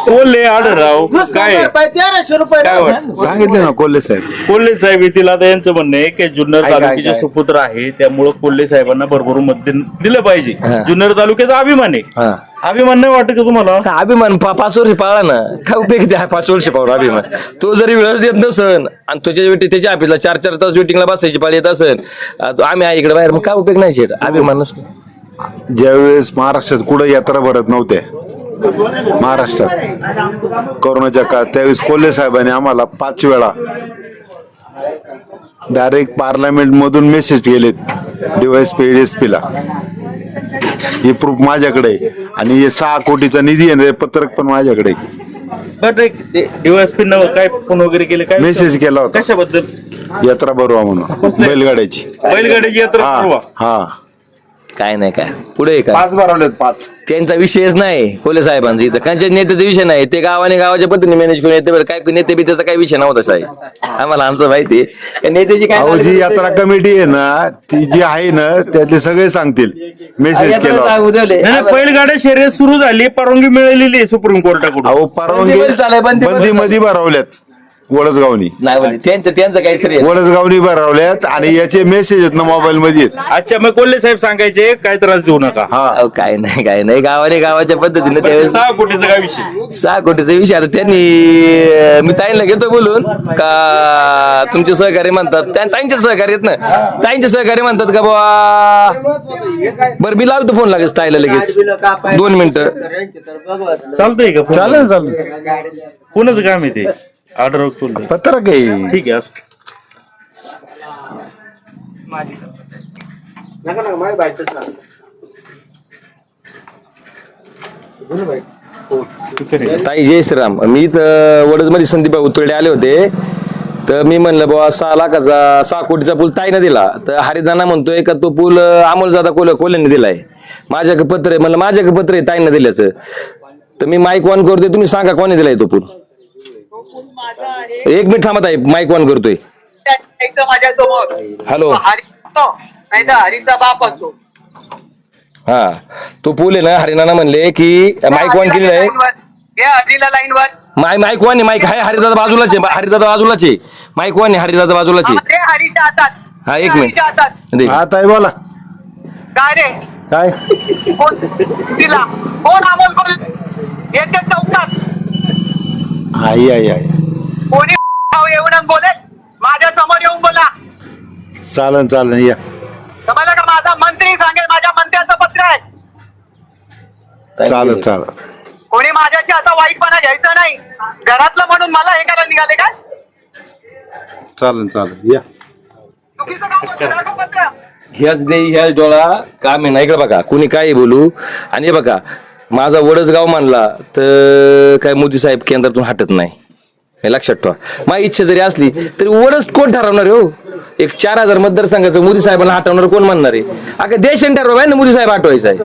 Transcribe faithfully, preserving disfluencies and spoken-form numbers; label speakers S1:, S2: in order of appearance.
S1: कोल्हे आढळराव काय
S2: तेराशे रुपये
S1: काय वाटतं?
S3: सांगितले ना कोल्हे साहेब.
S1: कोल्हे साहेब येथील आता यांचं म्हणणं आहे की जुन्नर
S3: ऐका,
S1: तालुक्याचे
S3: ऐका.
S1: सुपुत्र आहे त्यामुळे कोल्हे साहेबांना भरभरून मत दि- दिलं पाहिजे. जुन्नर तालुक्याचा अभिमान आहे.
S4: हा.
S1: अभिमान नाही वाटत का तुम्हाला?
S4: अभिमान पा- पाच वर्ष पाळला ना काय उपयोग त्या पाच वर्ष पाहून अभिमान तो जरी वेळ देत नसन आणि त्याच्या वेटी त्याच्या ऑफिसला चार चार तास वेटिंगला बसायची पाळी येत असेल आ, तो आम्ही आहे इकडे बाहेर मग काय उपयोग नाही शेट अभिमान नसतो.
S3: ज्यावेळेस महाराष्ट्रात कुठं यात्रा भरत नव्हत्या महाराष्ट्रात कोरोनाच्या काळात त्यावेळेस कोल्हे साहेबांनी आम्हाला पाच वेळा डायरेक्ट पार्लमेंट मधून मेसेज केलेत डीवायएसपी एसपी ला. हे प्रूफ माझ्याकडे आहे आणि हे सहा कोटीचा निधी आहे ना, हे पत्रक पण माझ्याकडे आहे.
S1: बरं डीवायएसपी न काय फोन वगैरे केले काय
S3: मेसेज केला होता
S1: कशाबद्दल?
S3: यात्रा भरवा म्हणून बैलगाड्याची.
S1: बैलगाडीची यात्रा
S3: हा
S1: ठरवा.
S3: हा
S4: काय नाही काय पुढे काय
S3: पाच भरवलेत पाच.
S4: त्यांचा विषयच नाही कोल्हे साहेबांचा इथं त्यांच्या नेत्याचा विषय नाही ते गावाने गावाच्या पद्धतीने मॅनेज करून येते बरं काय नेते बी त्याचा काही विषय नव्हता साहेब आम्हाला आमचं माहिती आहे. नेत्याची काय
S3: अहो जी यात्रा कमिटी आहे ना ती जी आहे ना त्यातले सगळे सांगतील मेसेज केला होता.
S4: उद्यावले.
S1: नाही, नाही, बैलगाड्या शर्यत सुरू झाली परवानगी मिळालेली आहे सुप्रीम कोर्टाकडून.
S3: अहो परवानगी
S4: बंदी चालू बंदी-
S3: बंदी मध्ये भरवल्यात वडसगावनी
S4: नाही बोलले त्यांचं त्यांचं काही श्रेय
S3: वडसगावनी भरवल्यात आणि याचे मेसेज आहेत ना मोबाईल मध्ये आहेत.
S1: अच्छा मग कोल्हे साहेब सांगायचे काय त्रास देऊ नका.
S3: हा
S4: अहो, काय नाही काय नाही गावाने गावाच्या पद्धतीने त्यावेळेस
S1: सहा कोटीचा काय विषय?
S4: सहा कोटीचा विषय आता त्यांनी अं, मी ताईंना घेतो बोलून का तुमचे सहकारी म्हणतात त्या ताईंचे सहकारी आहेत ना ताईंचे सहकारी म्हणतात का बाबा बरं मी लावतो फोन लागेल ताईला लगेच दोन मिनिटं
S1: चालतंय का?
S3: चालेल चालेल
S1: कोणाचं काम आहे ते? ऑर्डर कोल्हे.
S3: पत्रक आहे.
S1: ठीक आहे असं.
S4: ताई जय श्रीराम मी इथं वडदमध्ये संदीप उतरडे आले होते तर मी म्हणलं बाबा सहा लाखाचा सहा कोटीचा पूल ताईनं दिला तर हरिदाना म्हणतोय का तो पूल अमोल जादा कोल कोल्ह्याने दिलाय माझ्याकडे पत्र आहे म्हणलं माझ्याकडे पत्र आहे ताईनं दिल्याचं तर मी माईक ऑन करतोय तुम्ही सांगा कोणी दिलाय तो पूल. एक मिनिट थांबत आहे माईक ऑन करतोय.
S2: माझ्या समोर
S4: हॅलो
S2: नाही तर हरीचा बाप असो
S4: हा तो पूल आहे ना हरिदाना म्हणले की माईक ऑन केलेला आहे
S2: हरीला लाईन वर
S4: माय माईक ऑन आहे माईक आहे हरिदादा बाजूलाच आहे हरिदादा बाजूलाच आहे माईक ऑन आहे हरिदादा बाजूलाच आहे.
S2: हरीच्या हातात
S4: हा एक मिनिट
S2: हातात
S4: दे.
S3: हा ताई बोला
S2: काय रे
S3: काय
S2: कोण तिला कोण अमोल कोण येते चौकात
S3: आई आई आई
S2: कोणी येऊन बोले माझ्या समोर येऊन बोला
S3: चालन चालन या
S2: तुम्हाला का माझा मंत्री सांगेल माझ्या मंत्र्याचं पत्र आहे
S3: चालत चालत
S2: कोणी माझ्याशी आता वाईटपणा घ्यायचं नाही घरातलं म्हणून मला हे करायला निघाले काय
S3: चालन चालन या
S2: चुकीचं काम होतं ना गं पत्र
S4: ह्याच दे ह्याच डोळा काम आहे ना इकडे बघा कुणी काही बोलू आणि हे बघा माझा वडसगाव मानला तर काय मोदी साहेब केंद्रातून हटत नाही हे लक्षात ठेवा. माझी इच्छा जरी असली तरी वडच कोण ठरवणार आहे हो? एक चार हजार मतदारसंघाचं मोदी साहेबांना हटवणार कोण म्हणणार आहे? अगं देशाने ठरवा ना मोदी साहेब हटवायचा आहे.